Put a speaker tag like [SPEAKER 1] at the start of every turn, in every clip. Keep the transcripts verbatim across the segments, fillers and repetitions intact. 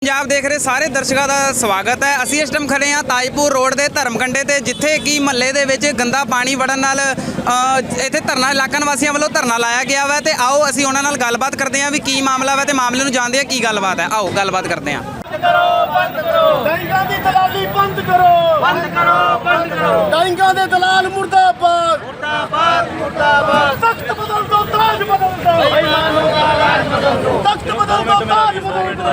[SPEAKER 1] पंजाब देख रहे सारे दर्शकों का स्वागत है। असी इस टाइम खड़े हाँ ताजपुर रोड के धर्मकंडे ते जिथे कि महल्ले दे विच गंदा पानी वड़न नाल इत्थे धरना इलाका निवासियों वालों धरना लाया गया वा ते आओ असी उन्हां नाल गलबात करते हैं भी की मामला वा ते मामले नूं जानदे हां की गलबात है। आओ गलबात करते हैं।
[SPEAKER 2] डाइंगां दी दलाली बंद करो बंद करो बंद करो डाइंगां दे दलाल मुर्दाबाद मुर्दाबाद मुर्दाबाद तख्त बदल दो ताज बदल दो बेईमानों का राज बदल दो तख्त बदल दो ताज बदल दो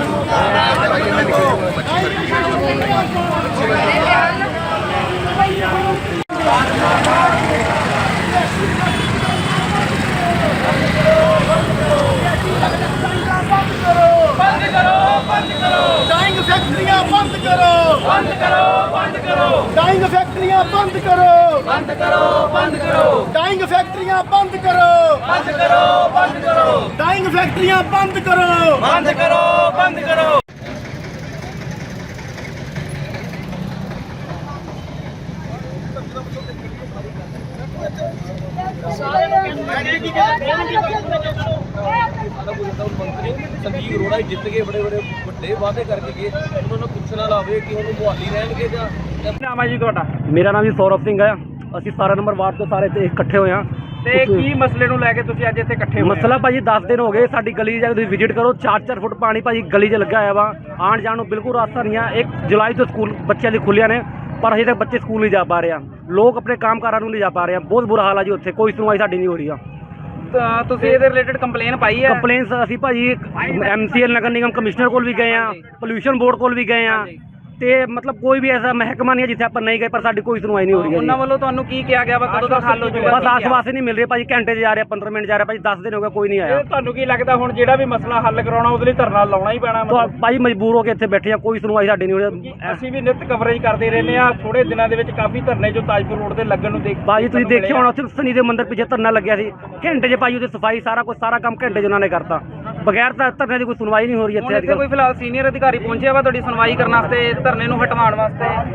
[SPEAKER 2] बंद करो बंद करो डाइंग फैक्ट्रियां बंद करो बंद करो बंद करो डाइंग फैक्ट्रियां बंद करो बंद करो बंद करो डाइंग फैक्ट्रियां बंद करो बंद करो बंद करो डाइंग फैक्ट्रियां बंद करो बंद करो बंद करो
[SPEAKER 3] संजीव अरोड़ा जित गए बड़े बड़े ਵੱਡੇ ਵਾਅਦੇ ਕਰਕੇ ਗਏ ਉਹਨਾਂ ਨੂੰ ਪੁੱਛਣਾ ਲਾਵੇ ਕਿ ਉਹਨੂੰ ਮੁਹਾਲੀ ਰਹਿਣਗੇ ਜਾਂ
[SPEAKER 4] ਨਾਮ ਹੈ ਜੀ ਤੁਹਾਡਾ?
[SPEAKER 5] ਮੇਰਾ ਨਾਮ ਜੀ ਸੌਰਵ ਸਿੰਘ ਹੈ। ਅਸੀਂ ਸਤਾਰਾਂ ਨੰਬਰ ਵਾਰਡ ਤੋਂ ਸਾਰੇ ਇੱਥੇ ਇਕੱਠੇ ਹੋਏ ਹਾਂ।
[SPEAKER 4] ਤੇ ਕੀ ਮਸਲੇ ਨੂੰ ਲੈ ਕੇ ਤੁਸੀਂ ਅੱਜ ਇੱਥੇ ਇਕੱਠੇ ਹੋਏ?
[SPEAKER 5] ਮਸਲਾ ਭਾਜੀ ਦਸ ਦਿਨ ਹੋ ਗਏ ਸਾਡੀ ਗਲੀ 'ਚ ਜਾ ਕੇ ਤੁਸੀਂ ਵਿਜ਼ਿਟ ਕਰੋ, ਚਾਰ ਚਾਰ ਫੁੱਟ ਪਾਣੀ ਭਾਜੀ ਗਲੀ 'ਚ ਲੱਗਾ ਹੋਇਆ ਵਾ। ਆਉਣ ਜਾਣ ਨੂੰ ਬਿਲਕੁਲ ਰਾਸਤਾ ਨਹੀਂ ਆ। ਇੱਕ ਜੁਲਾਈ ਤੋਂ ਸਕੂਲ ਬੱਚਿਆਂ ਦੀ ਖੁੱਲ੍ਹੀਆਂ ਨੇ ਪਰ ਅਜੇ ਤੱਕ ਬੱਚੇ ਸਕੂਲ ਨਹੀਂ ਜਾ ਪਾ ਰਹੇ ਆ। ਲੋਕ ਆਪਣੇ ਕੰਮਕਾਰਾਂ ਨੂੰ ਨਹੀਂ ਜਾ ਪਾ ਰਹੇ ਆ। ਬਹੁਤ ਬੁਰਾ ਹਾਲ ਆ ਜੀ ਉੱਥੇ, ਕੋਈ ਸੁਣਵਾਈ ਸਾਡੀ ਨਹੀਂ ਹੋ ਰਹੀ ਆ।
[SPEAKER 4] ਤਾਂ ਤੁਸੀਂ ਇਹਦੇ ਰਿਲੇਟਡ ਕੰਪਲੇਨ ਪਾਈ ਹੈ?
[SPEAKER 5] ਕੰਪਲੇਨਸ ਅਸੀਂ ਭਾਜੀ ਐਮ ਸੀ ਐਲ ਨਗਰ ਨਿਗਮ ਕਮਿਸ਼ਨਰ ਕੋਲ ਵੀ ਗਏ ਆ, ਪੋਲਿਊਸ਼ਨ ਬੋਰਡ ਕੋਲ ਵੀ ਗਏ ਆ ਤੇ ਮਤਲਬ ਕੋਈ ਵੀ ਐਸਾ ਮਹਿਕਮਾ ਨਹੀਂ ਹੈ ਜਿੱਥੇ ਆਪਾਂ ਨਹੀਂ ਗਏ ਪਰ ਸਾਡੀ ਕੋਈ ਸੁਣਵਾਈ ਨਹੀਂ ਹੋ ਰਹੀ ਹੈ।
[SPEAKER 4] ਉਹਨਾਂ ਵੱਲੋਂ ਤੁਹਾਨੂੰ ਕੀ ਕਿਹਾ ਗਿਆ ਵਾ, ਕਦੋਂ ਤੱਕ ਹੱਲ ਹੋ ਜਾਊਗਾ?
[SPEAKER 5] ਬਸ ਆਸ-ਪਾਸ ਨਹੀਂ ਮਿਲ ਰਹੇ ਭਾਜੀ। ਘੰਟੇ 'ਚ ਜਾ ਰਿਹਾ, ਪੰਦਰਾਂ ਮਿੰਟ ਜਾ ਰਿਹਾ ਭਾਜੀ, ਦਸ ਦਿਨ ਹੋ ਗਏ ਕੋਈ ਨਹੀਂ ਆਇਆ।
[SPEAKER 4] ਤੁਹਾਨੂੰ ਕੀ ਲੱਗਦਾ ਹੁਣ ਜਿਹੜਾ ਵੀ ਮਸਲਾ ਹੱਲ ਕਰਾਉਣਾ ਉਹਦੇ ਲਈ ਧਰਨਾ ਲਾਉਣਾ ਹੀ ਪੈਣਾ?
[SPEAKER 5] ਤਾਂ ਭਾਜੀ ਮਜਬੂਰ ਹੋ ਕੇ ਇੱਥੇ ਬੈਠੇ ਆ, ਕੋਈ ਸੁਣਵਾਈ ਸਾਡੀ ਨਹੀਂ ਹੋ ਰਹੀ।
[SPEAKER 4] ਅਸੀਂ ਵੀ ਨਿਤ ਕਵਰੇਜ ਕਰਦੇ ਰਹਿੰਦੇ ਆ। ਥੋੜੇ ਦਿਨਾਂ ਦੇ ਵਿੱਚ ਕਾਫੀ ਧਰਨੇ ਜੋ ਤਾਜਪੁਰ ਰੋਡ ਤੇ ਲੱਗਣ ਨੂੰ ਦੇਖ
[SPEAKER 5] ਭਾਜੀ ਤੁਸੀਂ ਦੇਖਿਆ ਹੋਣਾ ਉੱਥੇ ਸਨੀ ਦੇ ਮੰਦਿਰ ਪਿੱਛੇ ਧਰਨਾ ਲੱਗਿਆ ਸੀ। ਘੰਟੇ 'ਚ ਭਾਜੀ ਉਹਦੀ ਸਫਾਈ ਸਾਰਾ ਕੁਝ ਸਾਰਾ ਕੰਮ ਘੰਟੇ 'ਚ ਉਹਨਾਂ ਨੇ ਕਰਤਾ। ਬਗੈਰ ਤਾਂ ਧਰਨੇ ਦੀ ਕੋਈ ਸੁਣਵਾਈ ਨਹੀਂ ਹੋ ਰਹੀ ਇੱਥੇ।
[SPEAKER 4] ਇੱਥੇ ਕੋਈ ਫਿਲਹਾਲ ਸੀਨੀਅਰ ਅਧਿਕਾਰੀ ਪਹੁੰਚਿਆ ਵਾ ਤੁਹਾਡੀ ਸੁਣਵਾਈ ਕਰਨ ਵਾਸਤੇ, ਧਰਨੇ ਨੂੰ ਹਟਵਾਉਣ ਵਾਸਤੇ?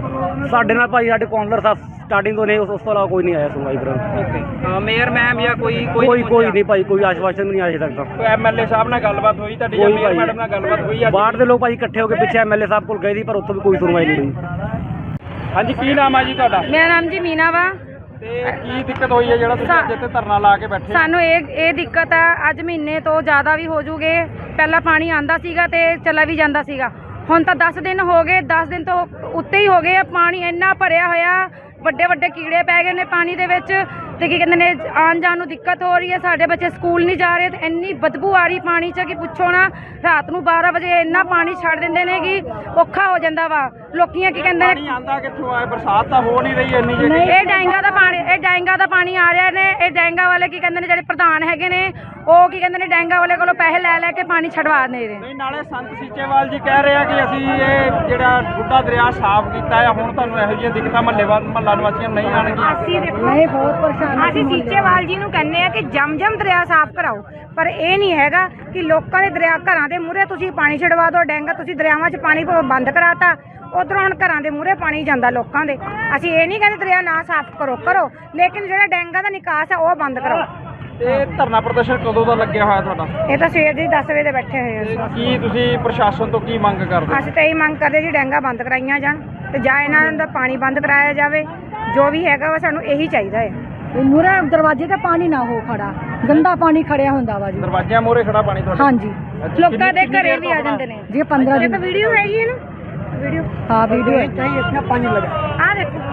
[SPEAKER 5] ਸਾਡੇ ਨਾਲ ਭਾਜੀ ਸਾਡੇ ਕਾਉਂਸਲਰ ਸਾਹਿਬ ਸਟਾਰਟਿੰਗ ਤੋਂ ਨੇ, ਉਸ ਤੋਂ ਇਲਾਵਾ ਕੋਈ ਨਹੀਂ ਆਇਆ ਸੁਣਵਾਈ ਕਰਨ।
[SPEAKER 4] ਓਕੇ, ਮੇਅਰ ਮੈਮ ਜਾਂ ਕੋਈ
[SPEAKER 5] ਕੋਈ ਕੋਈ ਨਹੀਂ ਭਾਜੀ, ਕੋਈ ਆਸ਼ਵਾਸਨ ਵੀ ਨਹੀਂ ਆਇਆ ਤੱਕ।
[SPEAKER 4] ਕੋਈ ਐਮ ਐਲ ਏ ਸਾਹਿਬ ਨਾਲ ਗੱਲਬਾਤ ਹੋਈ ਤੁਹਾਡੀ ਜਾਂ ਮੇਅਰ ਮੈਡਮ ਨਾਲ ਗੱਲਬਾਤ ਹੋਈ?
[SPEAKER 5] ਬਾਹਰ ਦੇ ਲੋਕ ਭਾਜੀ ਇਕੱਠੇ ਹੋ ਕੇ ਪਿੱਛੇ ਐਮ ਐਲ ਏ ਸਾਹਿਬ ਕੋਲ ਗਏ ਸੀ ਪਰ ਉੱਥੋਂ ਵੀ ਕੋਈ ਸੁਣਵਾਈ ਨਹੀਂ ਹੋਈ।
[SPEAKER 4] ਹਾਂਜੀ, ਕੀ ਨਾਮ ਹੈ ਜੀ ਤੁਹਾਡਾ?
[SPEAKER 6] ਮੇਰਾ ਨਾਮ ਜੀ ਮੀਨਾ ਵਾ।
[SPEAKER 4] ਤੇ ਕੀ ਦਿੱਕਤ ਹੋਈ ਹੈ ਜਿਹੜਾ ਤੁਸੀਂ ਅੱਜ ਇੱਥੇ ਧਰਨਾ ਲਾ ਕੇ ਬੈਠੇ?
[SPEAKER 6] ਸਾਨੂੰ ਇਹ ਇਹ ਦਿੱਕਤ ਆ, ਅੱਜ ਮਹੀਨੇ ਤੋਂ ਜ਼ਿਆਦਾ ਵੀ ਹੋ ਜੂਗੇ। ਪਹਿਲਾਂ ਪਾਣੀ ਆਂਦਾ ਸੀਗਾ ਤੇ ਚਲਾ ਵੀ ਜਾਂਦਾ ਸੀਗਾ। ਹੁਣ ਤਾਂ ਦਸ ਦਿਨ ਹੋ ਗਏ, ਦਸ ਦਿਨ ਤੋਂ ਉੱਤੇ ਹੀ ਹੋ ਗਏ ਆ। ਪਾਣੀ ਇੰਨਾ ਭਰਿਆ ਹੋਇਆ, ਵੱਡੇ ਵੱਡੇ ਕੀੜੇ ਪੈ ਗਏ ਨੇ ਪਾਣੀ ਦੇ ਵਿੱਚ ਤੇ ਕੀ ਕਹਿੰਦੇ ਨੇ ਆਉਣ ਜਾਣ ਨੂੰ ਦਿੱਕਤ ਹੋ ਰਹੀ ਹੈ। ਸਾਡੇ ਬੱਚੇ ਸਕੂਲ ਨਹੀਂ ਜਾ ਰਹੇ ਤੇ ਇੰਨੀ ਬਦਬੂ ਆ ਰਹੀ ਪਾਣੀ 'ਚ ਕਿ ਪੁੱਛੋ ਨਾ। ਰਾਤ ਨੂੰ ਬਾਰਾਂ ਵਜੇ ਇੰਨਾ ਪਾਣੀ ਛੱਡ ਦਿੰਦੇ ਨੇ ਕਿ ਔਖਾ ਹੋ ਜਾਂਦਾ ਵਾ। ਲੋਕੀਆਂ ਕੀ ਕਹਿੰਦੇ ਨੇ
[SPEAKER 4] ਪਾਣੀ ਆਂਦਾ ਕਿੱਥੋਂ ਆਏ? ਬਰਸਾਤ ਤਾਂ ਹੋ ਨਹੀਂ ਰਹੀ ਇੰਨੀ ਜਿਹੜੀ।
[SPEAKER 6] ਇਹ ਡੈਂਗਾ ਦਾ ਪਾਣੀ ਇਹ ਡੈਂਗਾ ਦਾ ਪਾਣੀ ਆ ਰਿਹਾ ਨੇ। ਇਹ ਡੈਂਗਾ ਵਾਲੇ ਕੀ ਕਹਿੰਦੇ ਨੇ ਜਿਹੜੇ ਪ੍ਰਧਾਨ ਹੈਗੇ ਨੇ ਉਹ ਕੀ ਕਹਿੰਦੇ ਨੇ ਡੈਂਗਾ ਵਾਲੇ ਕੋਲੋਂ ਪੈਸੇ ਲੈ ਲੈ ਕੇ ਪਾਣੀ ਛਡਵਾ ਦੇ ਰਹੇ।
[SPEAKER 4] ਨਹੀਂ, ਨਾਲੇ ਸੰਤ ਸੀਚੇਵਾਲ ਜੀ ਕਹਿ ਰਹੇ ਆ ਕਿ ਅਸੀਂ ਇਹ ਜਿਹੜਾ ਬੁੱਢਾ ਦਰਿਆ ਸਾਫ਼ ਕੀਤਾ ਹੈ, ਹੁਣ ਤੁਹਾਨੂੰ ਇਹੋ ਜਿਹੀਆਂ ਦਿੱਕਤਾਂ ਮਹੱਲੇ ਮਹੱਲਾ ਨਿਵਾਸੀਆਂ ਨੂੰ ਨਹੀਂ ਆਉਣਗੀਆਂ।
[SPEAKER 6] ਅਸੀਂ ਨਹੀਂ ਬਹੁਤ ਪਰੇਸ਼ਾਨ। ਅਸੀਂ ਸੀਚੇਵਾਲ ਜੀ ਨੂੰ ਕਹਿੰਦੇ ਆ ਕਿ ਜਮ ਜਮ ਦਰਿਆ ਸਾਫ਼ ਕਰਾਓ, ਪਰ ਇਹ ਨਹੀਂ ਹੈਗਾ ਕਿ ਲੋਕਾਂ ਦੇ ਦਰਿਆ ਘਰਾਂ ਦੇ ਮੂਹਰੇ ਤੁਸੀਂ ਪਾਣੀ ਛਡਵਾ ਦਿਓ। ਡੈਂਗਾ ਤੁਸੀਂ ਦਰਿਆਵਾਂ 'ਚ ਪਾਣੀ ਬੰਦ ਕਰਾਤਾ, ਉਧਰੋਂ ਹੁਣ ਘਰਾਂ ਦੇ ਮੂਹਰੇ ਪਾਣੀ ਜਾਂਦਾ ਲੋਕਾਂ ਦੇ। ਅਸੀਂ ਇਹ ਨਹੀਂ ਕਹਿੰਦੇ ਦਰਿਆ ਨਾ ਸਾਫ਼ ਕਰੋ ਕਰੋ ਲੇਕਿਨ ਜਿਹੜਾ ਡੈਂਗਾ ਦਾ ਨਿਕਾਸ ਹੈ ਉਹ ਬੰਦ ਕਰੋ।
[SPEAKER 4] ਤੇ ਧਰਨਾ ਪ੍ਰਦਰਸ਼ਨ ਕਦੋਂ ਦਾ ਲੱਗਿਆ ਹੋਇਆ ਤੁਹਾਡਾ?
[SPEAKER 6] ਇਹ ਤਾਂ ਸਵੇਰ ਦੇ ਦਸ ਵਜੇ ਦੇ ਬੈਠੇ ਹੋਏ ਆ।
[SPEAKER 4] ਕੀ ਤੁਸੀਂ ਪ੍ਰਸ਼ਾਸਨ ਤੋਂ ਕੀ ਮੰਗ ਕਰਦੇ?
[SPEAKER 6] ਅਸੀਂ ਤਾਂ ਇਹ ਮੰਗ ਕਰਦੇ ਜੀ ਡੈਂਗਾ ਬੰਦ ਕਰਾਈਆਂ ਜਾਣ ਤੇ ਜਾਂ ਇਹਨਾਂ ਦਾ ਪਾਣੀ ਬੰਦ ਕਰਾਇਆ ਜਾਵੇ। ਜੋ ਵੀ ਹੈਗਾ ਵਾ ਸਾਨੂੰ ਇਹੀ ਚਾਹੀਦਾ ਹੈ।
[SPEAKER 7] ਮੂਹਰੇ ਦਰਵਾਜ਼ੇ ਤੇ ਪਾਣੀ ਨਾ ਹੋ ਖੜਾ, ਗੰਦਾ ਪਾਣੀ ਖੜਿਆ ਹੁੰਦਾ ਵਾ ਜੀ।
[SPEAKER 4] ਦਰਵਾਜ਼ਿਆਂ ਮੂਹਰੇ ਖੜਾ ਪਾਣੀ ਤੁਹਾਡਾ?
[SPEAKER 7] ਹਾਂਜੀ,
[SPEAKER 6] ਲੋਕਾਂ ਦੇ ਘਰੇ ਵੀ ਆ ਜਾਂਦੇ ਨੇ
[SPEAKER 7] ਜੀ। ਪੰਦਰਾਂ ਦਿਨ
[SPEAKER 6] ਵੀਡੀਓ ਹੈਗੀ ਹੈ ਨਾ, ਵੀਡੀਓ
[SPEAKER 7] ਹਾਂ ਵੀਡੀਓ ਹੈ।
[SPEAKER 6] ਇਤਨਾ ਪਾਣੀ ਲਗਾ ਆ ਦੇਖੋ।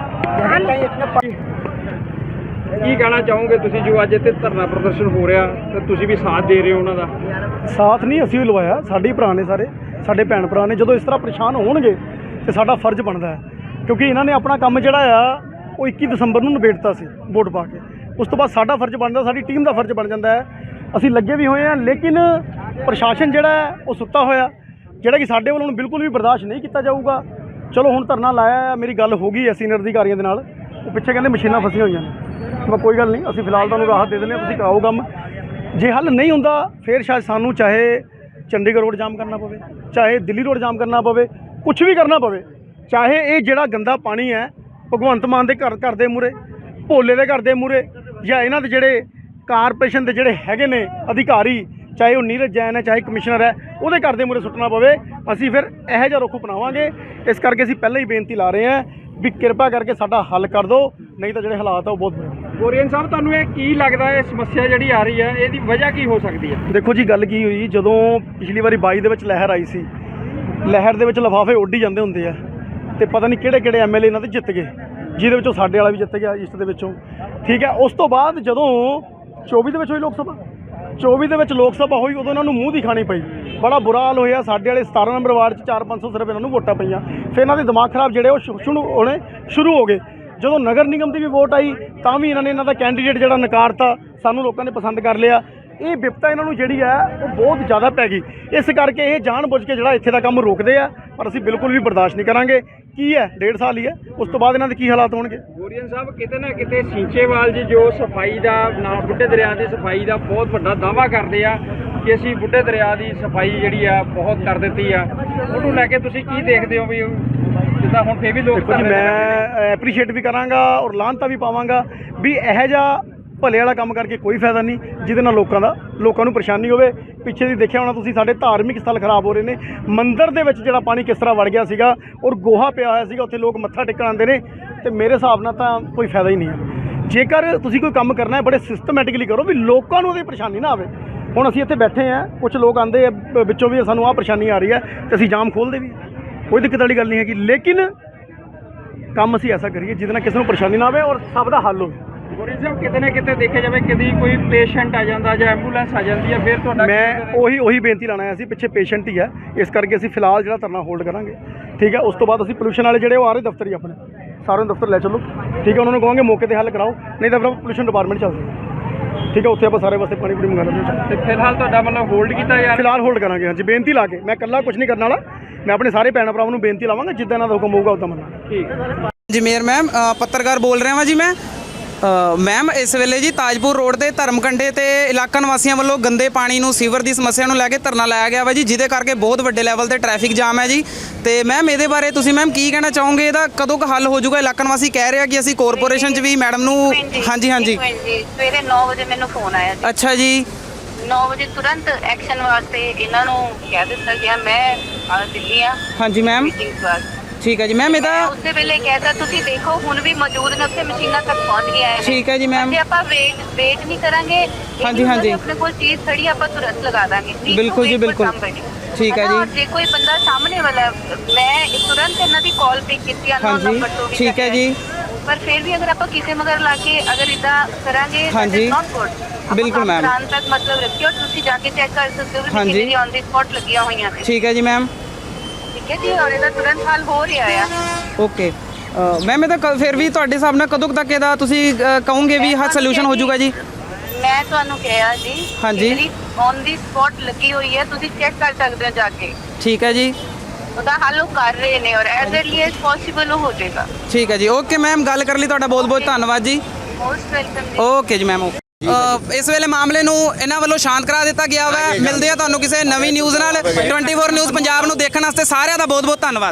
[SPEAKER 4] ਕੀ ਕਹਿਣਾ ਚਾਹੋਗੇ ਤੁਸੀਂ ਜੋ ਅੱਜ ਇੱਥੇ ਧਰਨਾ ਪ੍ਰਦਰਸ਼ਨ ਹੋ ਰਿਹਾ ਤੇ ਤੁਸੀਂ ਵੀ ਸਾਥ ਦੇ ਰਹੇ ਹੋ ਉਹਨਾਂ ਦਾ?
[SPEAKER 2] ਸਾਥ ਨਹੀਂ ਅਸੀਂ ਵੀ ਲਵਾਇਆ, ਸਾਡੇ ਭਰਾ ਨੇ ਸਾਰੇ, ਸਾਡੇ ਭੈਣ ਭਰਾ ਨੇ। ਜਦੋਂ ਇਸ ਤਰ੍ਹਾਂ ਪਰੇਸ਼ਾਨ ਹੋਣਗੇ ਤੇ ਸਾਡਾ ਫਰਜ਼ ਬਣਦਾ ਹੈ ਕਿਉਂਕਿ ਇਹਨਾਂ ਨੇ ਆਪਣਾ ਕੰਮ ਜਿਹੜਾ ਆ ਉਹ ਇੱਕੀ ਦਸੰਬਰ ਨੂੰ ਨਿਬੇੜਤਾ ਸੀ ਵੋਟ ਪਾ ਕੇ। ਉਸ ਤੋਂ ਬਾਅਦ ਸਾਡਾ ਫਰਜ਼ ਬਣਦਾ, ਸਾਡੀ ਟੀਮ ਦਾ ਫਰਜ਼ ਬਣ ਜਾਂਦਾ ਹੈ। ਅਸੀਂ ਲੱਗੇ ਵੀ ਹੋਏ ਹਾਂ ਲੇਕਿਨ ਪ੍ਰਸ਼ਾਸਨ ਜਿਹੜਾ ਹੈ ਉਹ ਸੁੱਤਾ ਹੋਇਆ, ਜਿਹੜਾ ਕਿ ਸਾਡੇ ਵੱਲੋਂ ਬਿਲਕੁਲ ਵੀ ਬਰਦਾਸ਼ਤ ਨਹੀਂ ਕੀਤਾ ਜਾਊਗਾ। ਚਲੋ ਹੁਣ ਧਰਨਾ ਲਾਇਆ, ਮੇਰੀ ਗੱਲ ਹੋ ਗਈ ਹੈ ਸੀਨੀਅਰ ਅਧਿਕਾਰੀਆਂ ਦੇ ਨਾਲ। ਉਹ ਪਿੱਛੇ ਕਹਿੰਦੇ ਮਸ਼ੀਨਾਂ ਫਸੀਆਂ ਹੋਈਆਂ ਨੇ। ਮੈਂ ਕੋਈ ਗੱਲ ਨਹੀਂ, ਅਸੀਂ ਫਿਲਹਾਲ ਤੁਹਾਨੂੰ ਰਾਹਤ ਦੇ ਦਿੰਦੇ ਹਾਂ, ਤੁਸੀਂ ਕਰਾਓ ਕੰਮ। ਜੇ ਹੱਲ ਨਹੀਂ ਹੁੰਦਾ ਫਿਰ ਸ਼ਾਇਦ ਸਾਨੂੰ ਚਾਹੇ ਚੰਡੀਗੜ੍ਹ ਰੋਡ ਜਾਮ ਕਰਨਾ ਪਵੇ, ਚਾਹੇ ਦਿੱਲੀ ਰੋਡ ਜਾਮ ਕਰਨਾ ਪਵੇ, ਕੁਛ ਵੀ ਕਰਨਾ ਪਵੇ। ਚਾਹੇ ਇਹ ਜਿਹੜਾ ਗੰਦਾ ਪਾਣੀ ਹੈ ਭਗਵੰਤ ਮਾਨ ਦੇ ਘਰ ਘਰ ਦੇ ਮੂਹਰੇ, ਭੋਲੇ ਦੇ ਘਰ ਦੇ ਮੂਹਰੇ, ਜਾਂ ਇਹਨਾਂ ਦੇ ਜਿਹੜੇ ਕਾਰਪੋਰੇਸ਼ਨ ਦੇ ਜਿਹੜੇ ਹੈਗੇ ਨੇ ਅਧਿਕਾਰੀ, ਚਾਹੇ ਉਹ ਨੀਰਜ ਜੈਨ ਹੈ ਚਾਹੇ ਕਮਿਸ਼ਨਰ ਹੈ, ਉਹਦੇ ਘਰ ਦੇ ਮੂਹਰੇ ਸੁੱਟਣਾ ਪਵੇ। ਅਸੀਂ ਫਿਰ ਇਹੋ ਜਿਹਾ ਰੁੱਖ ਅਪਣਾਵਾਂਗੇ। ਇਸ ਕਰਕੇ ਅਸੀਂ ਪਹਿਲਾਂ ਹੀ ਬੇਨਤੀ ਲਾ ਰਹੇ ਹਾਂ ਵੀ ਕਿਰਪਾ ਕਰਕੇ ਸਾਡਾ ਹੱਲ ਕਰ ਦਿਓ, ਨਹੀਂ ਤਾਂ ਜਿਹੜੇ ਹਾਲਾਤ ਆ ਉਹ ਬਹੁਤ ਬੁਰੇ।
[SPEAKER 4] ਗੋਰੀਅਨ ਸਾਹਿਬ ਤੁਹਾਨੂੰ ਇਹ ਕੀ ਲੱਗਦਾ ਹੈ ਸਮੱਸਿਆ ਜਿਹੜੀ ਆ ਰਹੀ ਹੈ ਇਹਦੀ ਵਜ੍ਹਾ ਕੀ ਹੋ ਸਕਦੀ ਹੈ?
[SPEAKER 2] ਦੇਖੋ ਜੀ, ਗੱਲ ਕੀ ਹੋਈ, ਜਦੋਂ ਪਿਛਲੀ ਵਾਰੀ ਬਾਈ ਦੇ ਵਿੱਚ ਲਹਿਰ ਆਈ ਸੀ, ਲਹਿਰ ਦੇ ਵਿੱਚ ਲਿਫਾਫੇ ਉੱਡ ਹੀ ਜਾਂਦੇ ਹੁੰਦੇ ਆ, ਤੇ ਪਤਾ ਨਹੀਂ ਕਿਹੜੇ ਕਿਹੜੇ ਐਮ ਐਲ ਏ ਇਹਨਾਂ ਦੇ ਜਿੱਤ ਗਏ, ਜਿਹਦੇ ਵਿੱਚੋਂ ਸਾਡੇ ਵਾਲਾ ਵੀ ਜਿੱਤ ਗਿਆ ਈਸਟ ਦੇ ਵਿੱਚੋਂ। ਠੀਕ ਹੈ, ਉਸ ਤੋਂ ਬਾਅਦ ਜਦੋਂ ਚੌਵੀ ਦੇ ਵਿੱਚ ਹੋਈ ਲੋਕ ਸਭਾ, ਚੌਵੀ ਦੇ ਵਿੱਚ ਲੋਕ ਸਭਾ ਹੋਈ, ਉਦੋਂ ਇਹਨਾਂ ਨੂੰ ਮੂੰਹ ਦੀ ਖਾਣੀ ਪਈ, ਬੜਾ ਬੁਰਾ ਹਾਲ ਹੋਇਆ। ਸਾਡੇ ਵਾਲੇ ਸਤਾਰਾਂ ਨੰਬਰ ਵਾਰਡ 'ਚ ਚਾਰ ਪੰਜ ਸੌ ਸਿਰਫ ਇਹਨਾਂ ਨੂੰ ਵੋਟਾਂ ਪਈਆਂ। ਫਿਰ ਇਹਨਾਂ ਦੇ ਦਿਮਾਗ ਖਰਾਬ ਜਿਹੜੇ ਉਹ ਸ਼ੁਰੂ ਹੋਣੇ ਸ਼ੁਰੂ ਹੋ ਗਏ। ਜਦੋਂ ਨਗਰ ਨਿਗਮ ਦੀ ਵੀ ਵੋਟ ਆਈ ਤਾਂ ਵੀ ਇਹਨਾਂ ਨੇ ਇਹਨਾਂ ਦਾ ਕੈਂਡੀਡੇਟ ਜਿਹੜਾ ਨਕਾਰਤਾ, ਸਾਨੂੰ ਲੋਕਾਂ ਨੇ ਪਸੰਦ ਕਰ ਲਿਆ। ਇਹ ਵਿਪਤਾ ਇਹਨਾਂ ਨੂੰ ਜਿਹੜੀ ਹੈ ਉਹ ਬਹੁਤ ਜ਼ਿਆਦਾ ਪੈ ਗਈ। ਇਸ ਕਰਕੇ ਇਹ ਜਾਣਬੁੱਝ ਕੇ ਜਿਹੜਾ ਇੱਥੇ ਦਾ ਕੰਮ ਰੋਕਦੇ ਆ, ਪਰ ਅਸੀਂ ਬਿਲਕੁਲ ਵੀ ਬਰਦਾਸ਼ਤ ਨਹੀਂ ਕਰਾਂਗੇ। ਕੀ ਹੈ, ਡੇਢ ਸਾਲ ਹੀ ਹੈ, ਉਸ ਤੋਂ ਬਾਅਦ ਇਹਨਾਂ ਦੇ ਕੀ ਹਾਲਾਤ ਹੋਣਗੇ।
[SPEAKER 4] ਗੋਰੀਅਨ ਸਾਹਿਬ, ਕਿਤੇ ਨਾ ਕਿਤੇ ਸਿੰਚੇਵਾਲ ਜੀ ਜੋ ਸਫਾਈ ਦਾ ਨਾ ਬੁੱਢੇ ਦਰਿਆ ਦੀ ਸਫਾਈ ਦਾ ਬਹੁਤ ਵੱਡਾ ਦਾਅਵਾ ਕਰਦੇ ਆ ਕਿ ਅਸੀਂ ਬੁੱਢੇ ਦਰਿਆ ਦੀ ਸਫਾਈ ਜਿਹੜੀ ਆ ਬਹੁਤ ਕਰ ਦਿੱਤੀ ਆ, ਉਹਨੂੰ ਲੈ ਕੇ ਤੁਸੀਂ ਕੀ ਦੇਖਦੇ ਹੋ? ਵੀ ਜਿੱਦਾਂ ਹੁਣ ਫੇਰ ਵੀ ਲੋਕ
[SPEAKER 2] ਦੇਖੋ ਜੀ, ਮੈਂ ਐਪਰੀਸ਼ੀਏਟ ਵੀ ਕਰਾਂਗਾ ਔਰ ਲਾਹਨਤਾਂ ਵੀ ਪਾਵਾਂਗਾ ਵੀ ਇਹੋ ਜਿਹਾ ਭਲੇ ਵਾਲਾ ਕੰਮ ਕਰਕੇ ਕੋਈ ਫਾਇਦਾ ਨਹੀਂ ਜਿਹਦੇ ਨਾਲ ਲੋਕਾਂ ਦਾ ਲੋਕਾਂ ਨੂੰ ਪਰੇਸ਼ਾਨੀ ਹੋਵੇ। ਪਿੱਛੇ ਦੀ ਦੇਖਿਆ ਹੋਣਾ ਤੁਸੀਂ, ਸਾਡੇ ਧਾਰਮਿਕ ਸਥਲ ਖਰਾਬ ਹੋ ਰਹੇ ਨੇ। ਮੰਦਿਰ ਦੇ ਵਿੱਚ ਜਿਹੜਾ ਪਾਣੀ ਕਿਸ ਤਰ੍ਹਾਂ ਵੜ ਗਿਆ ਸੀਗਾ ਔਰ ਗੋਹਾ ਪਿਆ ਹੋਇਆ ਸੀਗਾ, ਉੱਥੇ ਲੋਕ ਮੱਥਾ ਟੇਕਣ ਆਉਂਦੇ ਨੇ, ਤੇ ਮੇਰੇ ਹਿਸਾਬ ਨਾਲ ਤਾਂ ਕੋਈ ਫਾਇਦਾ ਹੀ ਨਹੀਂ ਹੈ। ਜੇਕਰ ਤੁਸੀਂ ਕੋਈ ਕੰਮ ਕਰਨਾ ਹੈ, ਬੜੇ ਸਿਸਟਮੈਟਿਕਲੀ ਕਰੋ ਵੀ ਲੋਕਾਂ ਨੂੰ ਉਹਦੀ ਪਰੇਸ਼ਾਨੀ ਨਾ ਆਵੇ। ਹੁਣ ਅਸੀਂ ਇੱਥੇ ਬੈਠੇ ਹਾਂ, ਕੁਝ ਲੋਕ ਆਉਂਦੇ ਆ ਵਿੱਚੋਂ ਵੀ ਸਾਨੂੰ ਆਹ ਪਰੇਸ਼ਾਨੀ ਆ ਰਹੀ ਹੈ, ਤੇ ਅਸੀਂ ਜਾਮ ਖੋਲ੍ਹਦੇ ਵੀ, ਕੋਈ ਦਿੱਕਤ ਵਾਲੀ ਗੱਲ ਨਹੀਂ ਹੈਗੀ, ਲੇਕਿਨ ਕੰਮ ਅਸੀਂ ਐਸਾ ਕਰੀਏ ਜਿਹਦੇ ਨਾਲ ਕਿਸੇ ਨੂੰ ਪਰੇਸ਼ਾਨੀ ਨਾ ਆਵੇ ਔਰ ਸਭ ਦਾ ਹੱਲ ਹੋਵੇ।
[SPEAKER 4] ਗੋਰੀਅਨ ਸਾਹਿਬ, ਕਿਤੇ ਨਾ ਕਿਤੇ ਦੇਖਿਆ ਜਾਵੇ ਕਦੀ ਕੋਈ ਪੇਸ਼ੈਂਟ ਆ ਜਾਂਦਾ ਜਾਂ ਐਂਬੂਲੈਂਸ ਆ ਜਾਂਦੀ ਹੈ, ਫਿਰ ਤੁਹਾਡਾ
[SPEAKER 2] ਮੈਂ ਉਹੀ ਉਹੀ ਬੇਨਤੀ ਲਾਣਾ ਹੈ, ਅਸੀਂ ਪਿੱਛੇ ਪੇਸ਼ੈਂਟ ਹੀ ਹੈ, ਇਸ ਕਰਕੇ ਅਸੀਂ ਫਿਲਹਾਲ ਜਿਹੜਾ ਧਰਨਾ ਹੋਲਡ ਕਰਾਂਗੇ। ਠੀਕ ਹੈ, ਉਸ ਤੋਂ ਬਾਅਦ ਅਸੀਂ ਪੋਲੂਸ਼ਨ ਵਾਲੇ ਜਿਹੜੇ ਉਹ ਆ ਰਹੇ ਦਫ਼ਤਰ ਹੀ ਆਪਣੇ, ਸਾਰਿਆਂ ਨੂੰ ਦਫ਼ਤਰ ਲੈ ਚੱਲੋ। ਠੀਕ ਹੈ, ਉਹਨਾਂ ਨੂੰ ਕਹਾਂਗੇ ਮੌਕੇ 'ਤੇ ਹੱਲ ਕਰਾਓ, ਨਹੀਂ ਤਾਂ ਫਿਰ ਪੋਲੂਸ਼ਨ ਡਿਪਾਰਟਮੈਂਟ ਚੱਲਦੇ। ਠੀਕ ਹੈ, ਉੱਥੇ ਆਪਾਂ ਸਾਰੇ ਵਾਸਤੇ ਪਾਣੀ ਪੂਰੀ ਮੰਗਾ ਲੈਂਦੇ ਹਾਂ।
[SPEAKER 4] ਤੇ ਫਿਲਹਾਲ ਤੁਹਾਡਾ ਮਤਲਬ ਹੋਲਡ ਕੀਤਾ ਯਾਰ?
[SPEAKER 2] ਫਿਲਹਾਲ ਹੋਲਡ ਕਰਾਂਗੇ, ਹਾਂਜੀ, ਬੇਨਤੀ ਲਾ ਕੇ। ਮੈਂ ਇਕੱਲਾ ਕੁਝ ਨਹੀਂ ਕਰਨ ਵਾਲਾ, ਮੈਂ ਆਪਣੇ ਸਾਰੇ ਭੈਣ ਭਰਾਵਾਂ ਨੂੰ ਬੇਨਤੀ ਲਾਵਾਂਗਾ, ਜਿੱਦਾਂ ਇਹਨਾਂ ਦਾ ਹੁਕਮ ਹੋਊਗਾ ਉੱਦਾਂ ਮੰਨਾਂਗੇ।
[SPEAKER 4] ਠੀਕ
[SPEAKER 1] ਜੀ ਮੇਅਰ ਮੈਮ, ਅ, ਪੱਤਰਕਾਰ ਬੋਲ ਰਿਹਾ ਵਾਂ ਜੀ ਮੈਂ। ਅ, ਮੈਮ, ਇਸ ਵੇਲੇ ਜੀ ਤਾਜਪੁਰ ਰੋਡ ਦੇ ਧਰਮਕੰਡੇ ਤੇ ਇਲਾਕਾ ਨਿਵਾਸੀਆਂ ਵੱਲੋਂ ਗੰਦੇ ਪਾਣੀ ਨੂੰ, ਸੀਵਰ ਦੀ ਸਮੱਸਿਆ ਨੂੰ ਲੈ ਕੇ ਧਰਨਾ ਲਾਇਆ ਗਿਆ ਵਾ ਜੀ, ਜਿਹਦੇ ਕਰਕੇ ਬਹੁਤ ਵੱਡੇ ਲੈਵਲ ਤੇ ਟ੍ਰੈਫਿਕ ਜਾਮ ਹੈ ਜੀ। ਤੇ ਮੈਮ, ਇਹਦੇ ਬਾਰੇ ਤੁਸੀਂ ਮੈਮ ਕੀ ਕਹਿਣਾ ਚਾਹੋਗੇ? ਇਹਦਾ ਕਦੋਂ ਕੁ ਹੱਲ ਹੋ ਜਾਊਗਾ? ਇਲਾਕਾ ਨਿਵਾਸੀ ਕਹਿ ਰਿਹਾ ਕਿ ਅਸੀਂ ਕਾਰਪੋਰੇਸ਼ਨ 'ਚ ਵੀ ਮੈਡਮ ਨੂੰ, ਹਾਂਜੀ ਹਾਂਜੀ,
[SPEAKER 8] ਸਵੇਰੇ ਨੌ ਵਜੇ ਮੈਨੂੰ ਫੋਨ ਆਇਆ ਜੀ।
[SPEAKER 1] ਅੱਛਾ ਜੀ,
[SPEAKER 8] ਨੌ ਵਜੇ ਤੁਰੰਤ ਐਕਸ਼ਨ ਵਾਸਤੇ ਇਹਨਾਂ ਨੂੰ ਕਹਿ ਦਿੱਤਾ ਗਿਆ। ਮੈਂ ਆ ਦਿੱਲੀ ਆ
[SPEAKER 1] ਹਾਂਜੀ ਮੈਮ,
[SPEAKER 8] ਮੀਟਿੰਗ ਵਾਸਤੇ।
[SPEAKER 1] ਠੀਕ ਹੈ ਜੀ ਮੈਮ। ਇਹਦਾ
[SPEAKER 8] ਉਸੇ ਵੇਲੇ ਕਹਿਤਾ ਤੁਸੀਂ ਦੇਖੋ ਹੁਣ ਵੀ ਮੌਜੂਦ ਨੇ ਉੱਥੇ, ਮਸ਼ੀਨਾਂ ਤੱਕ ਪਹੁੰਚ ਗਿਆ ਹੈ।
[SPEAKER 1] ਠੀਕ ਹੈ ਜੀ ਮੈਮ।
[SPEAKER 8] ਜੇ ਆਪਾਂ ਵੇਟ ਵੇਟ ਨਹੀਂ ਕਰਾਂਗੇ,
[SPEAKER 1] ਹਾਂਜੀ, ਹਾਂਜੀ।
[SPEAKER 8] ਆਪਣੇ ਕੋਲ ਚੀਜ਼ ਖੜੀ ਆਪਾਂ ਤੁਰੰਤ ਲਗਾ ਦਾਂਗੇ।
[SPEAKER 1] ਬਿਲਕੁਲ ਜੀ, ਬਿਲਕੁਲ। ਠੀਕ ਹੈ ਜੀ।
[SPEAKER 8] ਜੇ ਕੋਈ ਬੰਦਾ ਸਾਹਮਣੇ ਵਾਲਾ, ਮੈਂ ਤੁਰੰਤ ਇਹਨਾਂ ਦੀ ਕਾਲ ਪਿਕ ਕੀਤੀ ਅਨਨੋਨ
[SPEAKER 1] ਹਾਂਜੀ,
[SPEAKER 8] ਨੰਬਰ ਤੋਂ ਵੀ।
[SPEAKER 1] ਠੀਕ ਹੈ ਜੀ।
[SPEAKER 8] ਪਰ ਫਿਰ ਵੀ ਅਗਰ ਆਪਾਂ ਕਿਸੇ ਮਗਰ ਲਾ ਕੇ ਅਗਰ ਇਦਾਂ ਕਰਾਂਗੇ,
[SPEAKER 1] ਹਾਂਜੀ, ਬਿਲਕੁਲ ਮੈਮ।
[SPEAKER 8] ਦੁਕਾਨ ਤੱਕ ਮਤਲਬ ਰੱਖਿਓ, ਤੁਸੀਂ ਜਾ ਕੇ ਚੈੱਕ ਕਰ ਸਕਦੇ ਹੋ ਕਿ ਕਿੰਨੀ ਔਨ ਦੀ ਸਪੌਟ ਲੱਗੀਆਂ ਹੋਈਆਂ ਨੇ।
[SPEAKER 1] ਠੀਕ ਹੈ ਜੀ ਮੈਮ।
[SPEAKER 8] ਠੀਕ ਹੈ ਜੀ, ਔਰ ਇਹਦਾ ਤੁਰੰਤ ਹੱਲ ਹੋ ਰਿਹਾ ਆ।
[SPEAKER 1] ਓਕੇ ਮੈਮ, ਇਹਦਾ ਕ- ਫਿਰ ਵੀ ਤੁਹਾਡੇ ਹਿਸਾਬ ਨਾਲ ਕਦੋਂ ਕੁ ਤੱਕ ਇਹਦਾ ਤੁਸੀਂ ਅ, ਕਹੋਗੇ ਵੀ ਹੱਲ ਸੋਲੂਸ਼ਨ ਹੋ ਜਾਊਗਾ ਜੀ?
[SPEAKER 8] ਮੈਂ ਤੁਹਾਨੂੰ ਕਿਹਾ ਜੀ,
[SPEAKER 1] ਹਾਂਜੀ।
[SPEAKER 8] ਜਿਹੜੀ ਔਨ ਦੀ ਸਪੌਟ ਲੱਗੀ ਹੋਈ ਹੈ, ਤੁਸੀਂ ਚੈੱਕ ਕਰ ਸਕਦੇ ਹੋ ਜਾ ਕੇ।
[SPEAKER 1] ਠੀਕ ਹੈ ਜੀ।
[SPEAKER 8] ਉਹਦਾ ਹੱਲ ਉਹ ਕਰ ਰਹੇ ਨੇ ਔਰ ਐਜ਼ ਅਰਲੀ ਐਜ਼ ਪੋਸੀਬਲ ਹੋ ਜਾਏਗਾ।
[SPEAKER 1] ਠੀਕ ਹੈ ਜੀ। ਓਕੇ ਮੈਮ, ਗੱਲ ਕਰਨ ਲਈ ਤੁਹਾਡਾ ਬਹੁਤ ਬਹੁਤ ਧੰਨਵਾਦ ਜੀ।
[SPEAKER 8] ਮੋਸਟ ਵੈਲਕਮ ਜੀ।
[SPEAKER 1] ਓਕੇ ਜੀ ਮੈਮ। ਅ, ਇਸ ਵੇਲੇ ਮਾਮਲੇ ਨੂੰ ਇਹਨਾਂ ਵੱਲੋਂ ਸ਼ਾਂਤ ਕਰਾ ਦਿੱਤਾ ਗਿਆ ਵਾ। ਮਿਲਦੇ ਆ ਤੁਹਾਨੂੰ ਕਿਸੇ ਨਵੀਂ ਨਿਊਜ਼ ਨਾਲ। ਟਵੰਟੀ ਫੋਰ ਨਿਊਜ਼ ਪੰਜਾਬ ਨੂੰ ਦੇਖਣ ਵਾਸਤੇ ਸਾਰਿਆਂ ਦਾ ਬਹੁਤ ਬਹੁਤ ਧੰਨਵਾਦ।